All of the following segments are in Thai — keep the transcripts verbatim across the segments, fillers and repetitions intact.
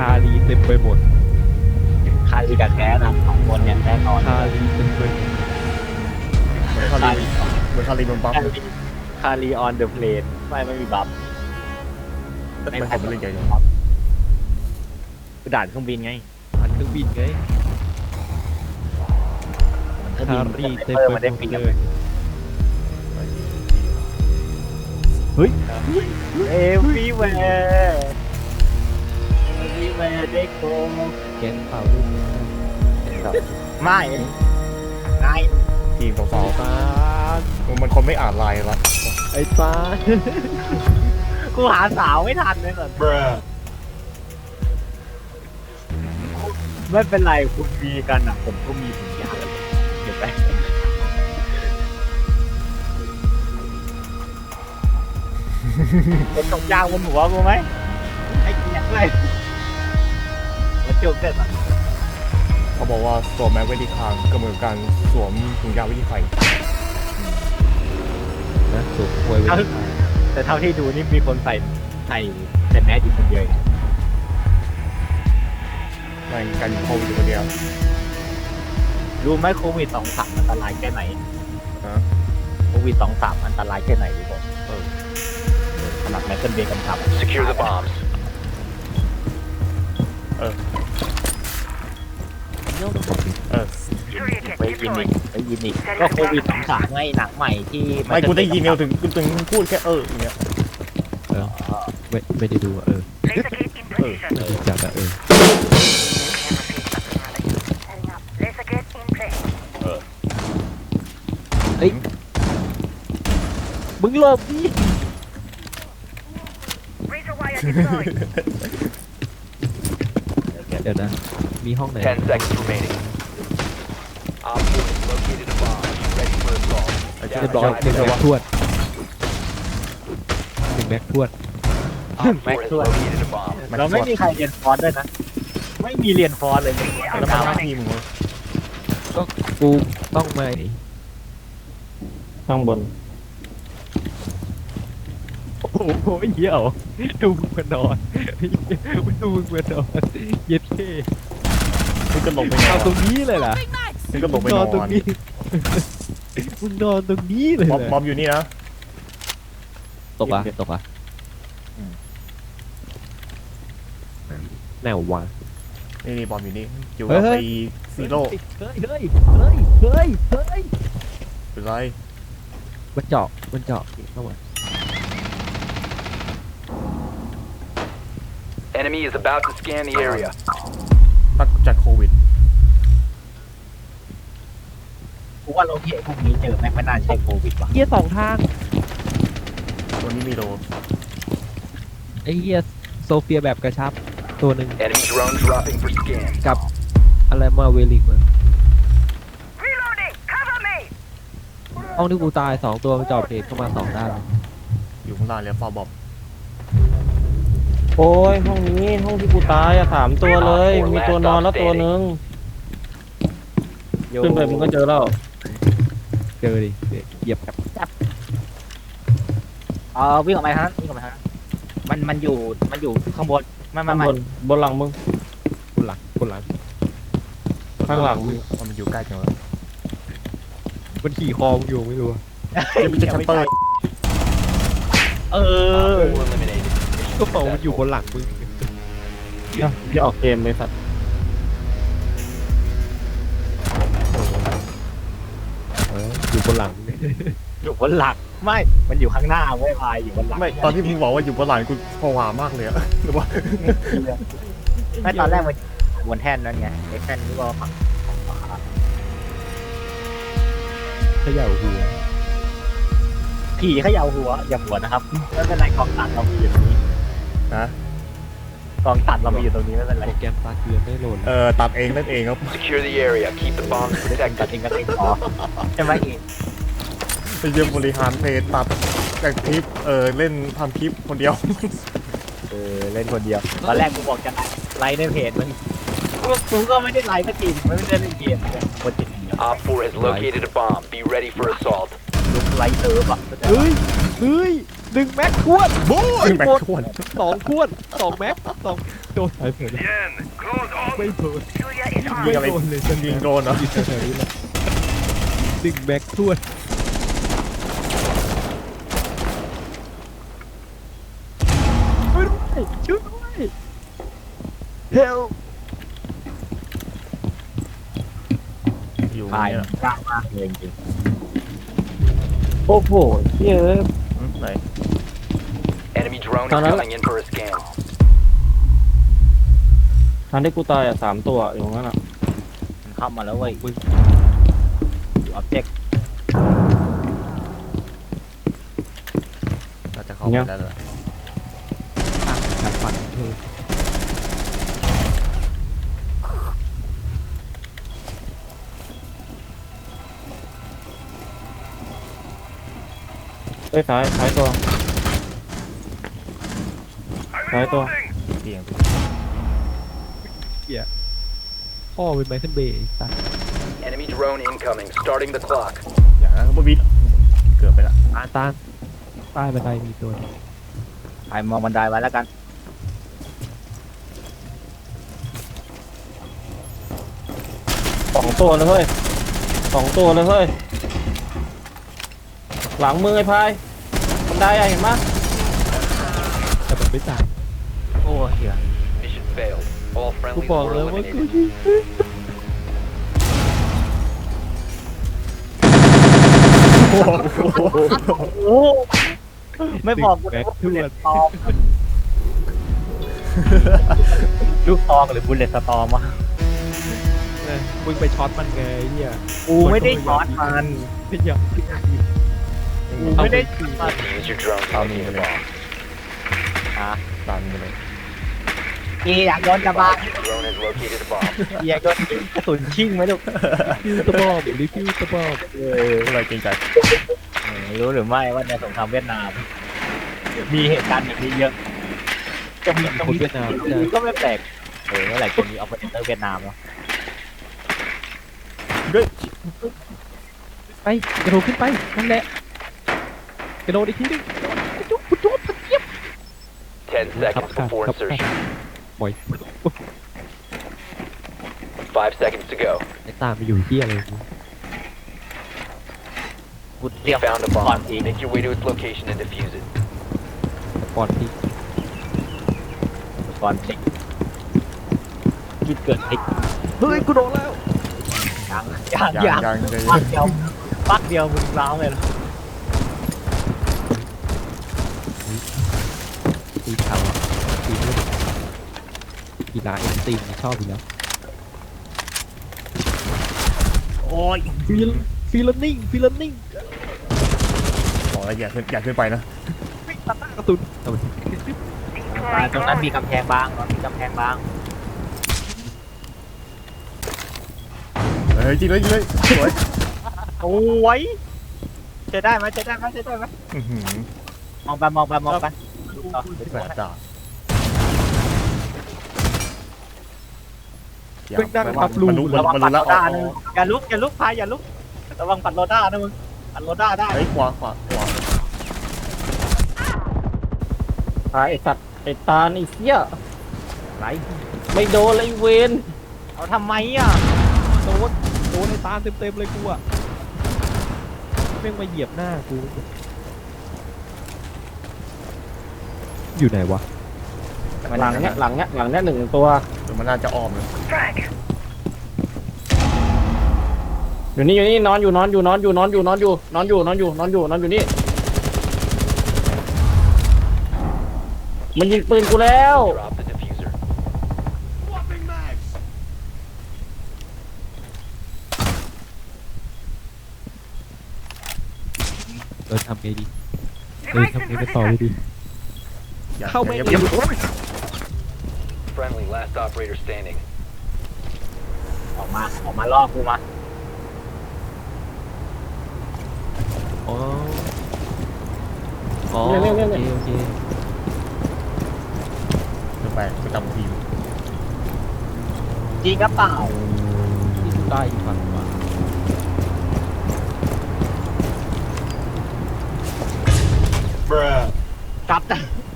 าลีเต็มไปหมดคารีกับแคสนะสองคนเนี่ยแน่นอนคาลีเต็มไปหมดเหมือนคารีเหมือนคารีโดนบัฟคารีคารีออนเดอะเพลนไม่ไม่มีบัฟไม่ผมไม่เล่นใหญ่เลยคือด่านเครื่องบินไงผ่านเครื่องบินไงเครื่องคาบินรีเต็มเออไปมันได้หมปีดกเลยเฮ้ยเอฟวีแวร์เอฟวีแวร์เด็กโกแกงเปล่าลูกไม่นายทีมสาวตาๆมันคนไม่อ่านไลน์ละไอ้ตากูหาสาวไม่ทันเลยก่อนไม่เป็นไรคุณมีกันอ่ะผมก็มีทุกอย่างเดี๋ยวไปเป็นตกยางบนหัวกูไหมไอ้เกียร์เลยมาจบเสร็จอ่ะเขาบอกว่าสวมแมสไว้ที่คางก็เหมือนการสวมถุงยางไว้ที่ไข่นะสุกควยไว้แต่เท่าที่ดูนี่มีคนใส่ใส่แต่แมสอยู่คนเดียวแม่งกันโควิดอยู่คนเดียวรู้ไหมโควิดสองสามอันตรายแค่ไหนฮะโควิดสองสามอันตรายแค่ไหนรู้ป่ะเออขนาดแมสเซนเบย์กำชับ Secure the bombs. เออเออไปยินอีกไปยินอีกก็โควิดสองสามไงหนังใหม่ที่ไม่กูได้ยินเดียวถึงถึงพูดแค่เอออย่างเงี้ยเออไม่ไม่ได้ดูอะเออ Laser gate in position. ไม่ได้จัดอะเออ Laser gate in place. เฮ้ยมึงหลบดิ Razor wire deployed. เดี๋ยวนะมีห้องไหน Ten seconds remaining. Op four has located a bomb. Ready for assault. เรียบร้อยหนึ่งแม็กทวดหนึ่งแม็กทวด Op four has located a bomb. เราไม่มีใครเรียนฟอนต์ด้วยนะ ไม่มีเรียนฟอนต์เลยแล้วมาหน้าที่มึงวะก็กูต้องมาข้างบนโอ้โหเหี้ยเหรอดูมึงมานอนมึงดูมึงมานอนเย็ดเท่มึงก็ลงไปนอเอานตรงนี้เลยล่ะมึงก็ลงไปนนออน นตรงนี้มึงนอนตรงนี้เลยบอมเหรบออมอยู่นี่นะตกอ่ะตกอ่ะแนววางนี่นี่บอมอยู่นี่อยู่เฮ้กับยไอ้ซีโร่เฮ้ยเฮ้ยเฮ้ยเฮ้ยเฮ้ยเป็นไรมันเจาะมันเจาะเข้ามา Enemy is about to scan the area. ตักจากโควิดกูว่าโลเคพวกนี้เจอแม่งไม่น่าใช่โควิดว่ะเหี้ยสองทางตัวนี้มีโดไอ้เหี้ยโซเฟียแบบกระชับตัวหนึ่ง Enemy drone dropping for scan. กับอะไรมาเวลิกมา Reloading. Cover me. ห้องที่กูตายสองตัวมันเจาะเพจเข้ามาสองด้านอยู่ข้างล่างแล้วฟาบอมโอ้ยห้องนี้ห้องที่กูตายอะสามตัวเลย มีตัวนอนแล้วตัวนึงขึ้นไปมึงก็เจอแล้วเจอดิเหยียบกับเออวิ่งออกมาทางนั้นวิ่งออกมาทางนั้นมันมันอยู่มันอยู่ข้างบนไม่ไม่ข้างไม่บนบนหลังมึงคนหลังคนหลังข้างหลังมึงมันอยู่ใกล้จังวะมันขี่คอมึงอยู่ไม่รู้จะมีชัตเตอร์เอ Op อ four eliminated. ก็เปล่ามันอยู่บนหลังมึงอย่าออกเกมเลยสัตว์เอออยู่บนหลังอยู่บนหลังไม่มันอยู่ข้างหน้าเว้ยพายอยู่บนหลังไม่ตอนที่มึงบอกว่าอยู่บนหลังกูผวามากเลยอะหรือว่าไม่ตอนแรกมันบนแท่นนั้นไงไอ้แท่นนี่ก็ฝั่งของขวาเขย่าหัวผีเขย่าหัวอย่าหัวนะครับไม่เป็นไรกองตัดเรามีอยู่ตรงนี้นะกองตัดเรามีอยู่ตรงนี้ไม่เป็นไรโปรแกรมปลาเกลือไม่โหลดเออตัดเองเล่นเองครับ Secure the area. Keep the bombs ตัด protected. เองก็เองพอใช่ไหมอีกไปเยี่ยมบริหารเพจตัดจากคลิปเออเล่นทำคลิปคนเดียวเออเล่นคนเดียวตอนแรกกูบอกจะไลฟ์ในเพจมันกูก็ไม่ได้ไลฟ์สักทีไม่ได้เล่นเกมเลยคนติดอย่างเดียว Op four has located a bomb. Be ready for assault. ลุกไลฟ์เซิร์ฟอ่ะเฮ้ยเฮ้ยหนึ่งแม็กทวนบู๊แม็กชวนสองทวนสองแม็กสองโดนหายเผินไม่โดน Julia is ยิง armed. อะไรยิงโดนเหรออยู่แถวๆนี้แหละหนึ่งแม็กทวนช่วยด้วยช่วยด้วยเฮลอยู่ตายเนี่ยยากมากเลยจริงโอ้โหเหี้ยเอ้ยอืมไหน Enemy drone is Tao nói là- coming in for a scan. ทันที่กูตายอ่ะสามตัวอยู่ตรงนั้นอ่ะๆมันเข้ามาแล้วเว้ยอยู่ออบเจกต์น่าจะเข้าไปได้แล้วทางฝั่งเธอเอ้ยซ้ายซ้ายตัวซ้ายตัวเตียงพ่อเป็นไมเคิลเบย์ไอ้สัส Enemy drone incoming. Starting the clock. อย่างนั้นก็บิดเกือบไปละตาตานใต้บันไดมีตัวหนึ่งใครมองบันไดไว้แล้วกันสองตัวเลยเฮ้ยสองตัวเลยเฮ้ยหลังมือไอ้พายบันไดอะเห็นปะแต่มันไม่ตายโอ้เหี้ย Mission failed. All กู friendlies บอก were แล้วว่ากู eliminated. ยิงโอ้โหโอ้ไม่บอกกูแม็กว่าทบุลวเลนตตอมลูกตองหรือบุลเลตสตอมวะนะมึงไปช็อตมันไงไอ้เนี่ยกูไม่ได้ช็อตมันไม่อยากยิงกูไม่ได้ช็อตมัน Use your drone to Tao locate nhìn a vào đây. bomb. อ่ะตันไปเลยกีอยากโดนกระบาล Drone has located a bomb. กีอยากโดนกระสุนชิ่งไหมลูกฟิวตะบอมรีฟิวตะบอมเออก็เลยเกรงใจไม่รู้หรือไม่ว่าในสงครามเวียดนาม มีเหตุการณ์แบบนี้เยอะจะมีคนเวียดนามจะก็ไม่แปลกเออเมื่อไหร่จะมีออปเปอเรเตอร์เวียดนามเนาะด้วยไปกระโดดขึ้นไปนั่นแหละกระโดดอีกทีนึงจุ๊บจุ๊บจุ๊บเยี่ยม Ten ครับ seconds ครับ before ครับ insertion. บ่อย Five seconds to go. ไอ้ตามไปอยู่ที่อะไรกูเตรีย You ม found a ก่อน bomb. ที Make your way to its location and defuse it. ก่อนที่ก่อนเช็คคิดเกิดไอ้เฮ้ยกูโดนแล้วยังยังยัยัง งยังใจปักเดียวปักเดียวมึงร้าวเลยเหรอตีเขาอ่ะตีไม่ได้กีฬาเอ็นตีชอบอยู่แล้วโอ้ยฟีลฟีลนิ่งฟีลนิ่งบอกแล้วอย่าขึ้นอย่าขึ้นไปนะตัดหน้ากระตุนเอาไปตรงนั้นมีกำแพงบางมีกำแพงบางเฮ้ยจริงเลยจริงเลยสวยโอ้ยจะได้ไหมจะได้ไหมจะได้ไหมอื้อหือมองไปมองไปมองไปแปลกจ้าเป็นนั่งพับรูมันรู้ระวังมันปัรู้ดแล้วโลอ๋อด้านะอย่าลุกอย่าลุกพายอย่าลุกระวังปัดโลด้านะมึงปัดโลด้าได้เฮ้ยขวาขวาขวาพายไอ้สัตว์ไอ้ตาลไอ้เหี้ยไรไม่โดนเลยไอ้เวนเอาทำไมอ่ะโดนโดนในตาเต็มเต็มๆเลยกูอ่ะแม่งมาเหยียบหน้ากูอยู่ไหนวะหลังเนี้ยหลังเนี้ยหลังเนี้ยหนึ่งตัวเดี๋ยวมันน่าจะอ้อมเลย Frag. อยู่นี่อยู่นี่นอนอยู่นอนอยู่นอนอยู่นอนอยู่นอนอยู่นอนอยู่นอนอยู่นอนอยู่นอนอยู่นี่มันยิงปืนกูแล้ว Drop the diffuser. เออทำไงดีเออ Device ทำไง in ไปต่อเลย position. ดีอย่าเข้าไม่อย่าได้อย่า Friendly, last operator standing. ออกมาออกมาล่อกูมาอ๋ออ๋อเนี่ยโอเนี่ยเคเนี่ยโอเคขึ้นไปประจำทีมจริงกระเปล่าที่ใต้อีกฝั่งมา Bruh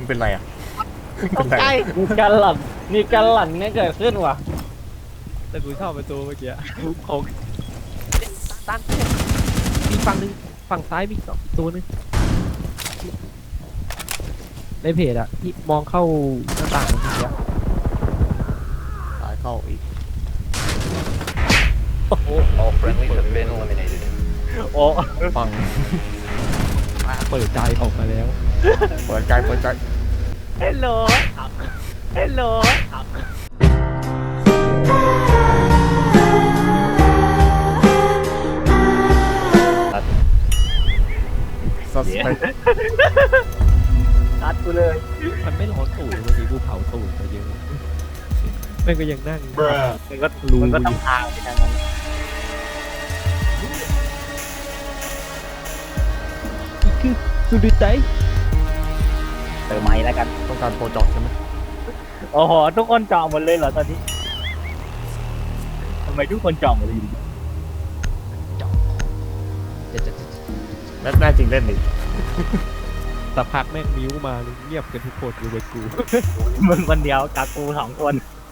มันเป็นไรอ่ะเป็นไรมีการหลั่นมีการหลั่นเนี่ยเกิดขึ้นว่ะแต่กูชอบประตูเมื่อกี้ของตั้งมีฝั่งหนึงฝั่งซ้ายมีสองตัวนึงในเพจอะที่มองเข้าหน้าต่างเมื่อกี้อะตายเข้าอีก All friendlies have been eliminated. โอ้ฟังเปิดใจออกมาแล้วเปิดใจเปิดใจเฮลโหลเฮลโหลสัสไปตัดกูเลยมันไม่ร้อนตูดเมื่อกี้กูเผาตูดไปเยอะแม่งก็ยังนั่งมันก็มันก็ต้องทางไปทางนั้นนี่คือสุดใจเติมไม้แล้วกันต้องการโปรเจอกใช่ไหมโอ้โหทุกคนจองหมดเลยเหรอตอนนี้ทำไมทุกคนจองหมดเลยแม่แม่จริงเล่นดิสักพักแม่งมิ้วมาเงียบกันทุกคนอยู่บนกูมึงคนเดียวกับกูสองคน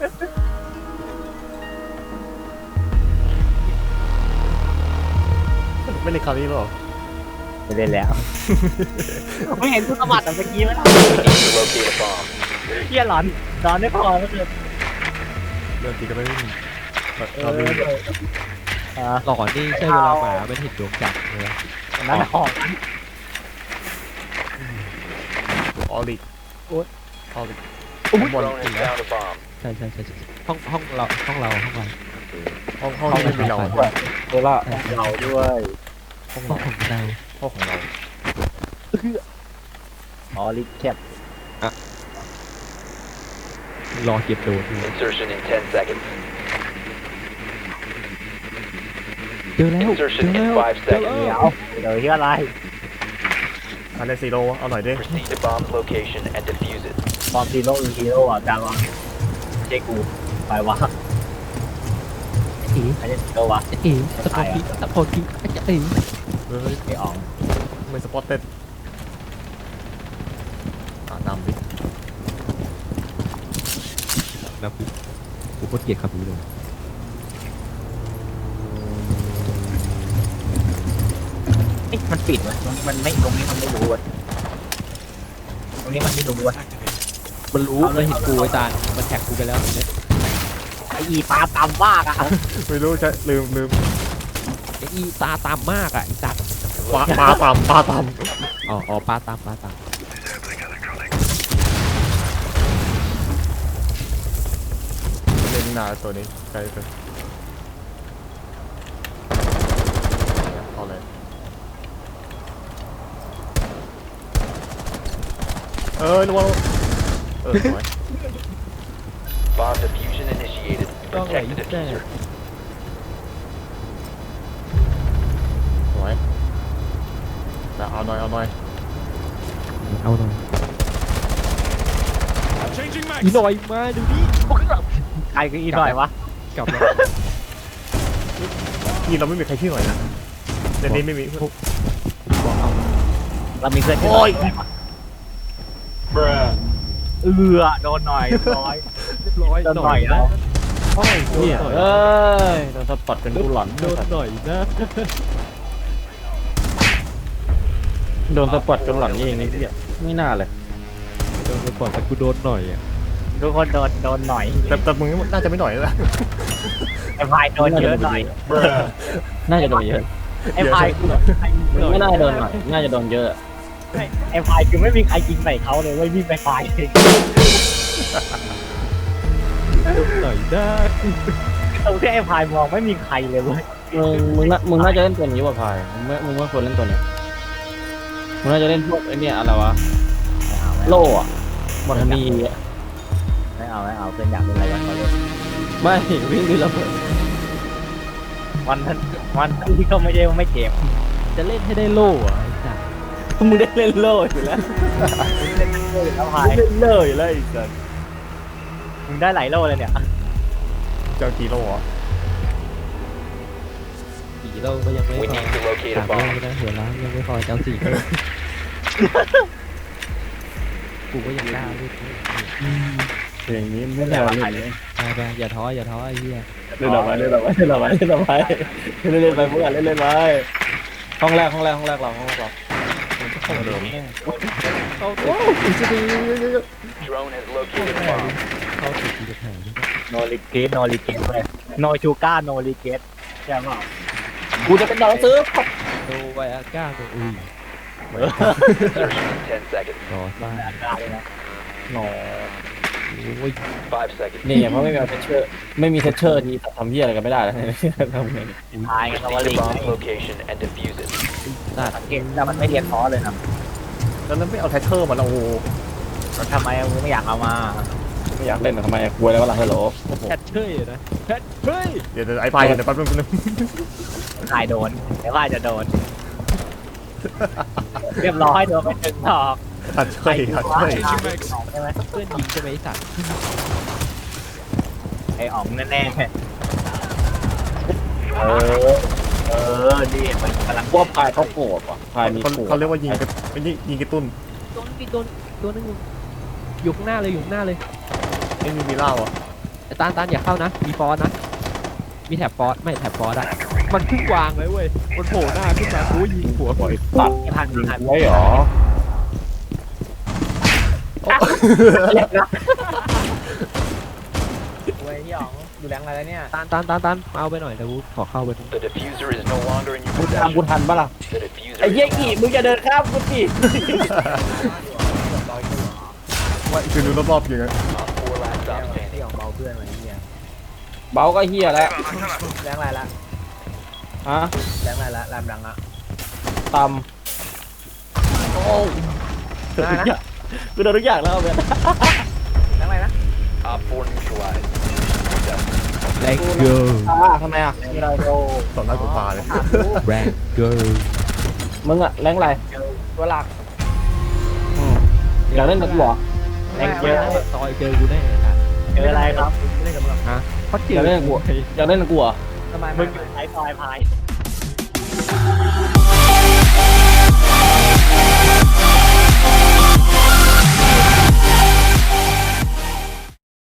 ไม่ได้คราวนี้หรอไม่เล่นแล้ว ไม่เห็นกูสมัครแต่เมื่อกี้มั้ย To locate a bomb. เฮียหลอนนอนไม่พอก็คือเรื่องจริงก็ไม่ได้เอคราวอนี้อ่าหลอนนี่ใช่เวลาหมามันเห็นดวงจันทร์เลยนั่นของออลิกโอ๊ยออลิก Drone has found a bomb. ใช่ใช่ใช่ใช่ห้องห้องเราห้องเราห้องเราห้องห้องนี้ไม่มีเราเวลาเราด้วยห้องห้อเรางของเราห้องของเราอ๋อลิแคปรอเก็บโดนอยู่ Insertion in ten seconds. เจอแล้วเจ Insertion อแล้ in ว five เจอ seconds. แล้วเดี๋ยวเดี๋ยวเฮียอะไรอันนี้ซีโร่เอาหน่อยดิ Proceed to bomb's location and defuse it. ฟอร์มซีโร่อีฮีโร่อ่ะจางวะเจ๊กูไปวะเอ๋ไอ้เจ๊ซีโร่วะเอ๋สปอร์ตพีสปอร์ตพีอาจจะเอ๋เฮ้ยไอ้อ๋องไม่สปอตเต็ดอ่านำดินะพี่กูโคตรเกลียดคำนี้เลยเอ๊ะมันปิดวะตรงนี้มันไม่ตรงนี้มันไม่รู้วะตรงนี้มันไม่รู้วะมันรู้มันเห็นกูไอ้จานมันแท็กกูไปแล้วเนี่ยไอ้อีปลาตำมากอ่ะไม่รู้ใช่ลืมลืมไอ้อีตาตามมากอ่ะไอ้จัดปลาปลาตำปลาตอ๋ออ๋อปลาตามปลาตามำเล่นนาตัวนี้ไกลเกินเอาเลยเออระวังเออสวย Bomb diffusion initiated. ต้องไหล Protect the แจ้ diffuser. สวยแต่เอาหน่อยเอาหน่อยเอาหน่อยอีหน่อยมาดูดิใครคืออีหน่อยวะกลับแล้วทีเราไม่มีใครชื่อหน่อยนะในนี้ไม่มีบอกเอาเรามีเพื่อนโอ้ยเออโดนหน่อยร้อยเรียบร้อยโดนหน่อยนะโอ้ยโดนเนี่ยหน่อยเอ้ยโดนสปอตเป็นกูหลอนโดนหน่อยนะโดนสปอตจนหลอนเองนี่พี่ไม่น่าเลยโดนไปก่อนแต่กูโดนหน่อยอ่ะทุกคนโดนโดนหน่อยแต่แต่มึงน่าจะไม่หน่อยแล้วไอ้พายโดนเยอะหน่อยน่าจะโดนเยอะไอ้พายคือไม่น่าจะโดนหน่อยน่าจะโดนเยอะไอ้พายคือไม่มีใครยิงใส่เขาเลยเว้ยวิ่งไปพายเองโดนหน่อยได้ตรงที่ไอ้พายมองไม่มีใครเลยเว้ยมึงมึงน่ามึงน่าจะเล่นตัวนี้ว่ะพายมึงไม่มึงไม่ควรเล่นตัวเนี้ยมึงน่าจะเล่นพวกไอ้เนี่ยอะไรวะไม่เอาไม่เอาโล่อะมอร์นีอะไม่เอาไม่เอาเพื่อนอยากเป็นอะไรกันเขาเลยไม่วิ่งดูระเบิดวันนั้นวันนั้นที่เขาไม่ได้ไม่เจ็บจะเล่นให้ได้โล่อะไอ้จัดมึงได้เล่นโล่อยู่แล้วเล่นเลยแล้วพายเล่นเลยเลยอีกสัสมึงได้หลายโลเลยเนี่ยเจ้ากีโร่อะสี่โล่ก็ยังไม่ We พอ need to locate สา a มโล่ bomb. ก็ได้หัวล้านยังไม่พอเจ้าสี่โล่กูก็ยังกล้าเล่นเพลงนี้ไม่ไม่ใช่ได้ว่าเล่ใครนเลยไปไปอย่าท้ออย่าท้อไอ้เหี้ยเล่นต่อไปเล่นต่อไปเล่นต่อไปเล่นต่อไปเล่นเล่นไปเพื่อนเล่นเล่นไปห้องแรกห้องแรกห้องแรกเราห้องแรกเราเข้าเดิมเข้าโอ้ยจะดี Drone has located a bomb. เข้าติดจะแข่งโนริเกตโนริเกตเลยโนชูก้าโนริเกตใช่ป่ะกูจะเป็นดาวซื้อโดไวอาก้าโดอุ้ย Insertion in ten seconds. รอสร้างแบบได้เลยนะหนอโอ้ย Five seconds. นี่เพราะไม่มีเซชเชอร์ไม่มีเซชเชอร์ที่ทำเหี้ยอะไรกันไม่ได้แล้วทำไงตายกันตะ Proceed วัน to ลี bomb location and defuse it. สัตว์สังเกตแต่มันไม่เรียนท้อเลยนะแล้วนั้นไม่เอาไทเทอร์มาแล้วโอ้โหแล้วทำไมมึงไม่อยากเอามาไม่อยากเล่นทำไมกลัวแล้วว่าหลังฮัลโหลแคทเชยนะแคทเชยเดี๋ยวเดี๋ยวไอ้ไปเดี๋ยวแป๊บนึงแป๊บนึงนายโดนแต่ว่าจะโดน เรียบร้อยโดนไปถึงดอกตัดช่วยตัดช่วยใช่ไหมเพื่อนยิงจะไปสัตว์ไอ้อ๋องแน่ๆเออเออนี่มันกำลังว่าพายเขาโกรธว่ะพายมีเขาโกรธเขาเรียกว่ายิงกระไม่ใช่ยิงกระตุ้นโดนพี่โดนโดนนึงอยู่ข้างหน้าเลยอยู่ข้างหน้าเลยไม่มีมีเหล้าอ่ะไอ้ตานตานอย่าเข้านะมีฟอสนะมีแถบฟอสไม่แถบฟอสอะมันเพิ่งวางเลยเว้ยมันโผล่หน้าขึ้นมากูยิงหัวบ่อยตัดไม่ทันไม่ทันไว้หรอเว้ยพี่อ๋องดูแรงอะไรแล้วเนี่ยตานตานตานตานมาเอาไปหน่อยเดี๋ยวกูขอเข้าไป The diffuser is no longer in your กูทำกู possession. ทันปะล่ะ The diffuser ไอ้เหี้ย is no กี่ longer. มึงจะเดินข้ามกูสิว่าคือดูรอบๆอย่างเงี้ย Op four last stop พี่ standing. อ๋องเบาเพื่อนไว้เนี่ยเบาก็เหี้ยแล้วแรงอะไรละฮะแรงอะไรละแรงดังละตำโอ้ได้นะกูโดนทุกอย่างแล้วเพื่อนแรงอะไรนะ Op four neutralized. แรงเกอร์อ่าทำไมอ่ะนี่เราโดต่อหน้าต่อตาเลยแรงเกอร์มึงอะแรงอะไรตัวหลักอืมอยากเล่นกับกูเหรอแรงเยอะซอยเจอกูแน่ครับเจออะไรครับไม่ได้กับมึงฮะเขาเจอยากอเล่นกับกูอยากเล่นกับกูเหรอทำไมมึงอยู่ท้ายซอยพาย